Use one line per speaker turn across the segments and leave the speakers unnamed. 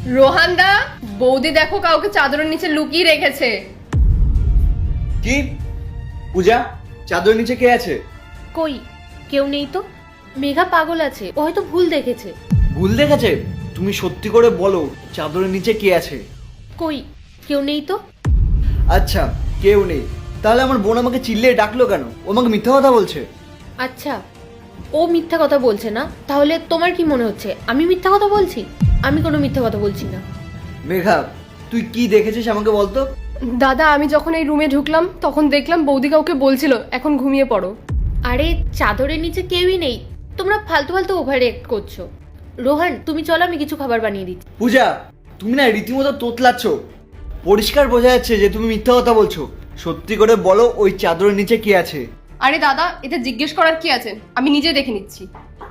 রোহানদা, বৌদি দেখো কাউকে চাদরের নিচে লুকিয়ে রেখেছে।
কি পূজা, চাদরের নিচে কে আছে?
কই, কেউ নেই তো। মেঘা পাগল আছে, ও হয়তো ভুল দেখেছে।
ভুল দেখেছে? তুমি সত্যি করে বলো, চাদরের নিচে কে আছে?
কই, কেউ নেই তো।
আচ্ছা, কেউ নেই, তাহলে আমার বোন আমাকে চিল্লিয়ে ডাকলো কেন? ও আমাকে মিথ্যা কথা বলছে।
আচ্ছা, ও মিথ্যা কথা বলছে না, তাহলে তোমার কি মনে হচ্ছে আমি মিথ্যা কথা বলছি? আমি কোনো মিথ্যা কথা বলছি না।
মেঘা, তুই কি দেখেছিস আমাকে বলতো।
দাদা, আমি যখন এই রুমে ঢুকলাম তখন দেখলাম বৌদি কাউকে বলছিল এখন ঘুমিয়ে পড়ো।
আরে চাদরের নিচে কেউই নেই, তোমরা ফালতু ফালতু ওভার রিঅ্যাক্ট করছো। রোহান, তুমি চলো, আমি কিছু খাবার বানিয়ে দিচ্ছি।
পূজা, তুমি না রীতিমতো তোতলাচ্ছ। পরিষ্কার বোঝা যাচ্ছে যে তুমি মিথ্যা কথা বলছো। সত্যি করে বলো, ওই চাদরের নিচে কে আছে?
আরে দাদা, এতে জিজ্ঞেস করার কি আছে, আমি নিজে দেখে নিচ্ছি।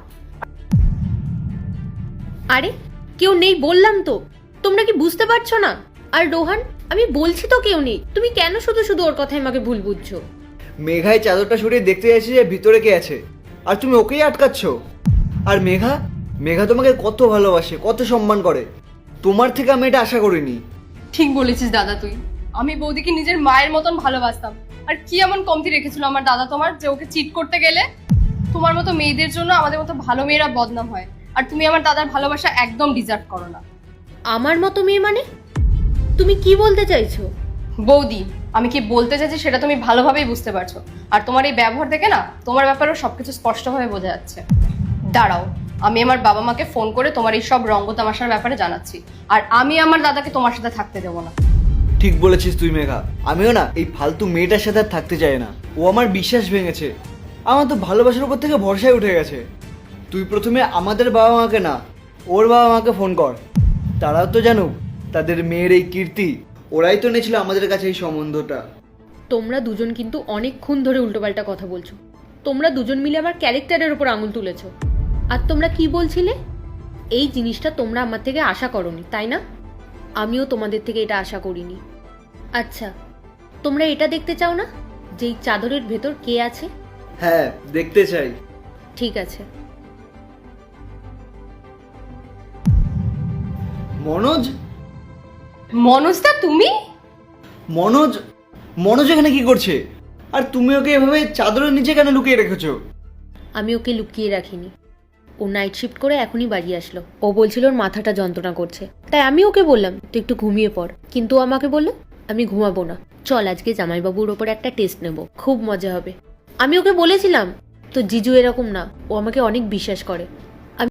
আরে কেউ নেই বললাম তো, তোমরা কি বুঝতে পারছো না? আর রোহান, আমি বলছি তো কেউ নেই, তুমি কেন শুধু শুধু ওর কথায় আমাকে ভুল বুঝছো?
মেঘায় চাদরটা সরিয়ে দেখতে যাচ্ছি যে ভিতরে কে আছে, আর তুমি ওকেই আটকাচ্ছ। আর মেঘা, মেঘা তোমাকে কত ভালোবাসে, কত সম্মান করে। তোমার থেকে আমি এটা আশা করিনি।
ঠিক বলেছিস দাদা তুই। আমি বৌদিকে নিজের মায়ের মতন ভালোবাসতাম, আর কি এমন কমতি রেখেছিল আমার দাদা তোমার যে ওকে চিট করতে গেলে? তোমার মতো মেয়েদের জন্য আমাদের মতো ভালো মেয়েরা বদনাম হয়, আর তুমি আমার দাদার ভালোবাসা একদম ডিজার্ভ করো না।
আমার মতো মেয়ে মানে? তুমি কি বলতে চাইছো?
বৌদি, আমি কি বলতে চাইছি সেটা তুমি ভালোভাবেই বুঝতে পারছো, আর তোমার এই ব্যবহার দেখে না তোমার ব্যাপারেও সবকিছু স্পষ্টভাবে বোঝা যাচ্ছে। দাঁড়াও, আমি আমার বাবা মাকে ফোন করে তোমার এই সব রঙ্গ তামাশার ব্যাপারে জানাচ্ছি, আর আমি আমার দাদাকে তোমার সাথে থাকতে দেবো না।
ঠিক বলেছিস তুই মেঘা, আমিও না এই ফালতু মেয়েটার সাথে আর থাকতে চাই না। ও আমার বিশ্বাস ভেঙেছে, আমার তো ভালোবাসার উপর থেকে ভরসায় উঠে গেছে। তুই প্রথমে আমাদের বাবা মাকে না, ওর বাবা মাকে ফোন কর। তারাও তো জানুক তাদের মেয়ের এই কীর্তি। ওরাই তো এনেছিল আমাদের কাছে এই সম্বন্ধটা।
তোমরা দুজন কিন্তু অনেকক্ষণ ধরে উল্টোপাল্টা কথা বলছো। তোমরা দুজন মিলে আমার ক্যারেক্টারের উপর আঙুল তুলেছো। আর তোমরা কি বলছিলে? এই জিনিসটা তোমরা আমার থেকে আশা করোনি, তাই না? আমিও তোমাদের থেকে এটা আশা করিনি। আচ্ছা, তোমরা এটা দেখতে চাও না যে এই চাদরের ভেতর কে আছে?
হ্যাঁ, দেখতে চাই।
ঠিক আছে।
মনোজ?
মনোজদা, তুমি?
মনোজ? মনোজ এখানে কি করছে? আর তুমি ওকে এভাবে চাদরের নিচে কেন লুকিয়ে রেখেছো?
আমি ওকে লুকিয়ে রাখিনি। ও নাইট শিফট করে এখনই বাড়ি আসলো। ও বলছিল ওর মাথাটা যন্ত্রণা করছে, তাই আমি ওকে বললাম তুই একটু ঘুমিয়ে পড়, কিন্তু ও আমাকে বললো আমি ঘুমাবো না, চল আজকে জামাইবাবুর ওপর একটা টেস্ট নেব, খুব মজা হবে। আমি ওকে বলেছিলাম তো জিজু এরকম না, ও আমাকে অনেক বিশ্বাস করে,